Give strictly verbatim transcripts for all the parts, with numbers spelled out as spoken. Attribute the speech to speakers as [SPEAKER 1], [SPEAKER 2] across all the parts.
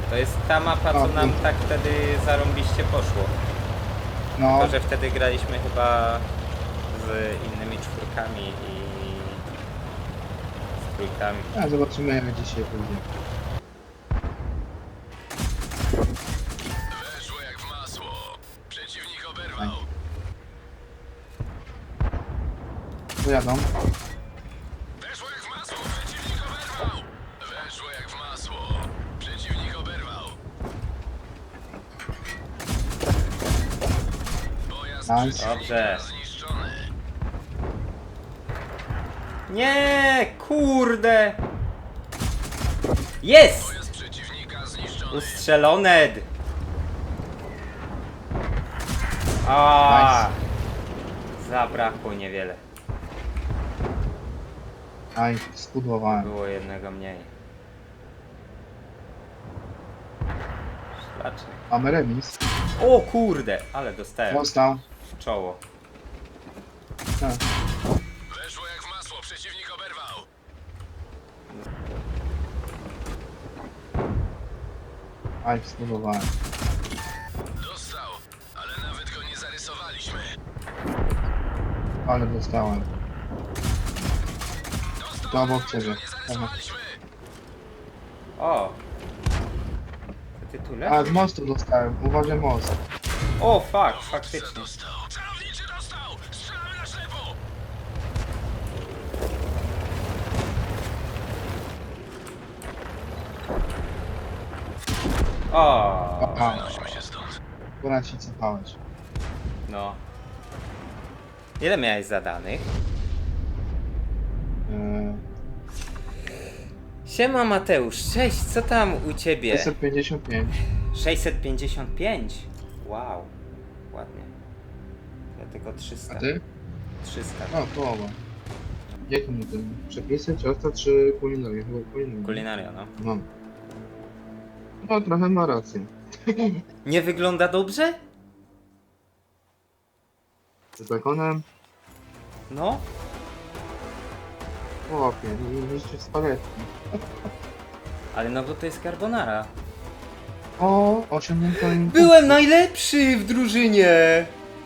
[SPEAKER 1] To jest ta mapa, co
[SPEAKER 2] O,
[SPEAKER 1] nam
[SPEAKER 2] tu.
[SPEAKER 1] tak wtedy zarąbiście poszło.
[SPEAKER 2] No,
[SPEAKER 1] Tylko, że wtedy graliśmy chyba z innymi czwórkami i z trójkami.
[SPEAKER 2] a zobaczymy jak dzisiaj pójdzie.
[SPEAKER 3] Weszło jak w masło. Przeciwnik
[SPEAKER 2] Tak.
[SPEAKER 3] oberwał.
[SPEAKER 2] Pojadą.
[SPEAKER 3] Weszło jak w masło. Przeciwnik oberwał. Weszło jak w masło. Przeciwnik oberwał. Pojazd
[SPEAKER 2] Nice.
[SPEAKER 3] przeciwnika
[SPEAKER 1] Dobrze.
[SPEAKER 3] zniszczony.
[SPEAKER 1] Nie, kurde! Jest!
[SPEAKER 3] Pojazd przeciwnika zniszczony.
[SPEAKER 1] Ustrzelone! A, zabrakło niewiele.
[SPEAKER 2] Aj, spudłowałem.
[SPEAKER 1] Było jednego mniej. Szlaczek.
[SPEAKER 2] Mamy remis.
[SPEAKER 1] O kurde, ale dostałem
[SPEAKER 2] Dostał.
[SPEAKER 1] w czoło.
[SPEAKER 2] Tak.
[SPEAKER 3] Weszło jak w masło. Przeciwnik oberwał.
[SPEAKER 2] Aj, spudłowałem.
[SPEAKER 3] Dostał, ale nawet go nie zarysowaliśmy.
[SPEAKER 2] Ale dostałem.
[SPEAKER 3] Dostał,
[SPEAKER 2] To obok
[SPEAKER 3] ale
[SPEAKER 2] ciebie.
[SPEAKER 3] go nie zarysowaliśmy.
[SPEAKER 1] O! To ty tu
[SPEAKER 2] A, z
[SPEAKER 1] leżysz?
[SPEAKER 2] mostu dostałem. Uważaj most.
[SPEAKER 1] O, fuck, faktycznie.
[SPEAKER 3] Dostał. Celowniczy dostał. Strzelamy na ślepo.
[SPEAKER 1] O,
[SPEAKER 2] A,
[SPEAKER 3] Przenosimy się stąd.
[SPEAKER 2] akurat się cofałeś.
[SPEAKER 1] no. Ile miałeś zadanych?
[SPEAKER 2] Eee,
[SPEAKER 1] Siema Mateusz, cześć, co tam u ciebie?
[SPEAKER 2] sześćset pięćdziesiąt pięć.
[SPEAKER 1] sześćset pięćdziesiąt pięć. Wow, ładnie. Ja tylko trzysta.
[SPEAKER 2] A ty?
[SPEAKER 1] trzysta.
[SPEAKER 2] No, połowa. Jakie mu ten? Przepisy, ciasta czy kulinaria? Chyba kulinaria.
[SPEAKER 1] Kulinaria, no.
[SPEAKER 2] No. No, trochę ma rację.
[SPEAKER 1] Nie wygląda dobrze?
[SPEAKER 2] Z bekonem?
[SPEAKER 1] No.
[SPEAKER 2] Chłopie, nie jeszcze spaghetti.
[SPEAKER 1] Ale no bo to jest carbonara.
[SPEAKER 2] O, osiągnięto im...
[SPEAKER 1] Byłem najlepszy w drużynie!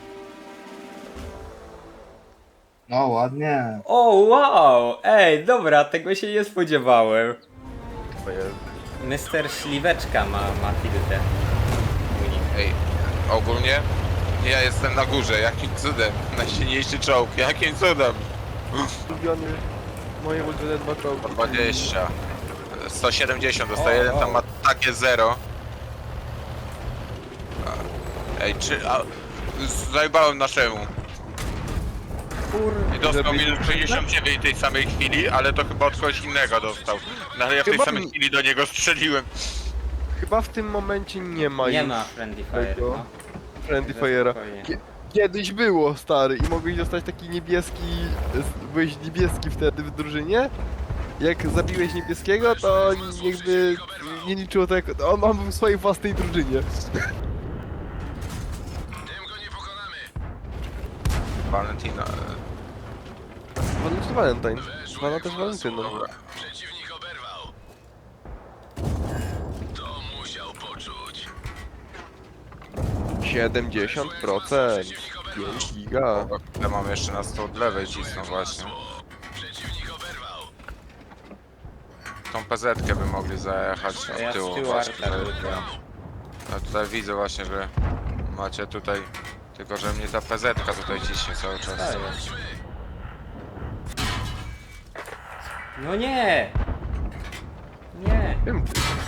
[SPEAKER 2] No, ładnie.
[SPEAKER 1] O, wow! Ej, dobra, tego się nie spodziewałem. mister Śliweczka ma, ma tiltę.
[SPEAKER 4] Ej, ogólnie ja jestem na górze, jakim cudem? Najsilniejszy czołg, jakim cudem?
[SPEAKER 5] Ulubiony, moje ulubione dwa czołgi.
[SPEAKER 4] Po dwadzieścia, sto siedemdziesiąt dostaje,
[SPEAKER 1] O,
[SPEAKER 4] jeden
[SPEAKER 1] o.
[SPEAKER 4] tam ma takie zero. A, Ej, czy... A, zajebałem naszemu. I dostał minus sześćdziesiąt dziewięć tej samej chwili, ale to chyba od kogoś innego dostał. No ale ja w tej
[SPEAKER 5] Chyba
[SPEAKER 4] samej
[SPEAKER 5] mi-
[SPEAKER 4] chwili do niego strzeliłem.
[SPEAKER 5] Chyba w tym momencie nie ma
[SPEAKER 1] Nie
[SPEAKER 5] już
[SPEAKER 1] ma Friendly Fire,
[SPEAKER 5] tego
[SPEAKER 1] no.
[SPEAKER 5] Friendly
[SPEAKER 1] Także
[SPEAKER 5] Fire'a.
[SPEAKER 1] spokojnie.
[SPEAKER 5] Kie- Kiedyś było, stary, i mogłeś dostać taki niebieski, z- byłeś niebieski wtedy w drużynie. Jak zabiłeś niebieskiego, to jakby nie liczyło to jako... On, on był w swojej własnej drużynie.
[SPEAKER 3] Tym go nie pokonamy.
[SPEAKER 4] Valentina.
[SPEAKER 5] Valentine Valentine. Zwana też Valentyną.
[SPEAKER 4] Dobra.
[SPEAKER 3] Przeciwnik oberwał. To musiał poczuć.
[SPEAKER 5] siedemdziesiąt procent. pięć giga.
[SPEAKER 4] Ja mam jeszcze na sto od lewej cisną właśnie.
[SPEAKER 3] Przeciwnik oberwał.
[SPEAKER 4] Tą pezetkę by mogli zajechać
[SPEAKER 1] A ja
[SPEAKER 4] od
[SPEAKER 1] z
[SPEAKER 4] tyłu
[SPEAKER 1] tyłu
[SPEAKER 4] właśnie.
[SPEAKER 1] arta
[SPEAKER 4] że-
[SPEAKER 1] tylko.
[SPEAKER 4] Ja tutaj widzę właśnie, że macie tutaj, tylko że mnie ta pezetka tutaj ciśnie cały czas.
[SPEAKER 1] To jest. No nie! Nie!
[SPEAKER 5] Wiem,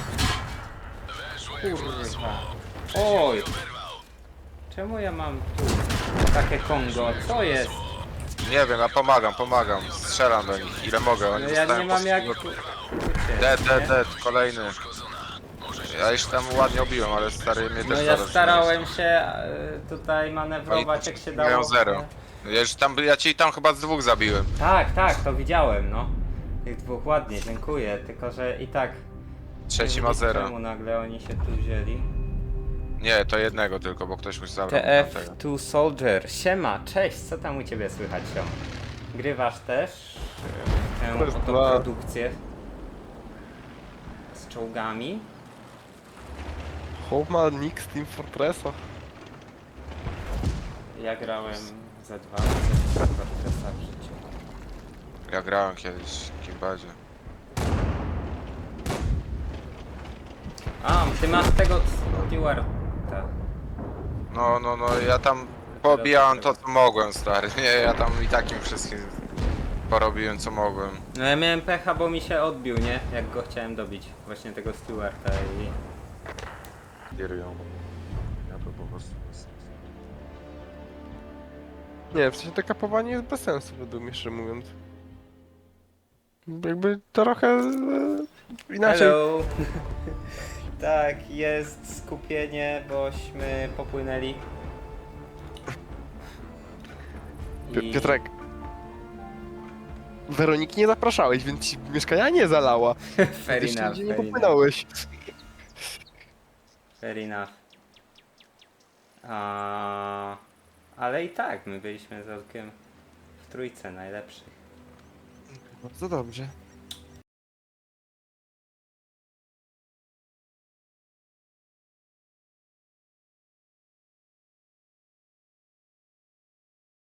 [SPEAKER 1] Kurwa. Oj! Czemu ja mam tu takie Kongo? Co jest?
[SPEAKER 4] Nie wiem, ja pomagam, pomagam, strzelam do nich, ile mogę, oni
[SPEAKER 1] No ja
[SPEAKER 4] dostają
[SPEAKER 1] nie mam
[SPEAKER 4] po
[SPEAKER 1] jak...
[SPEAKER 4] stu-
[SPEAKER 1] tu-
[SPEAKER 4] Dead,
[SPEAKER 1] nie?
[SPEAKER 4] dead, dead, kolejny. Ja już tam ładnie obiłem, ale stary mnie
[SPEAKER 1] No
[SPEAKER 4] też
[SPEAKER 1] ja
[SPEAKER 4] zaraz
[SPEAKER 1] starałem się e, tutaj manewrować jak się dało.
[SPEAKER 4] Mają zero. Ja już tam, ja ci tam chyba z dwóch zabiłem.
[SPEAKER 1] Tak, tak, to widziałem, no. Tych dwóch ładnie, dziękuję. Tylko, że i tak...
[SPEAKER 4] Trzeci
[SPEAKER 1] nie
[SPEAKER 4] ma
[SPEAKER 1] wiem,
[SPEAKER 4] zero.
[SPEAKER 1] Czemu nagle oni się tu wzięli?
[SPEAKER 4] Nie, to jednego tylko, bo ktoś mu zabrał
[SPEAKER 1] T F
[SPEAKER 4] tamtego.
[SPEAKER 1] two Soldier. Siema, cześć, co tam u ciebie słychać się? Grywasz też e, tę
[SPEAKER 5] Raz,
[SPEAKER 1] oto
[SPEAKER 5] dwa.
[SPEAKER 1] produkcję z czołgami?
[SPEAKER 5] Chłop ma nick z Team Fortressa.
[SPEAKER 1] Ja grałem za dwa razy w Fortressa w życiu.
[SPEAKER 4] Ja grałem kiedyś w Kimbadzie.
[SPEAKER 1] A, ty masz tego Stewarta.
[SPEAKER 4] No, no, no, ja tam pobijałem to, co mogłem, stary. Nie, ja tam i takim wszystkim porobiłem, co mogłem.
[SPEAKER 1] No ja miałem pecha, bo mi się odbił, nie? Jak go chciałem dobić. Właśnie tego Stewarta i...
[SPEAKER 4] Kierują. Ja to po prostu...
[SPEAKER 5] Nie, w sensie to kapowanie jest bez sensu według mnie, szczerze mówiąc. Jakby trochę e, inaczej.
[SPEAKER 1] Hello! Tak, jest skupienie, bośmy popłynęli.
[SPEAKER 5] Pi- Piotrek. Weroniki nie zapraszałeś, więc ci mieszkania nie zalała.
[SPEAKER 1] Fair
[SPEAKER 5] Jeszcze
[SPEAKER 1] enough,
[SPEAKER 5] nigdzie nie
[SPEAKER 1] fair enough.
[SPEAKER 5] popłynąłeś.
[SPEAKER 1] Fair enough. A... Ale i tak, my byliśmy całkiem w trójce najlepszych.
[SPEAKER 5] Bardzo dobrze.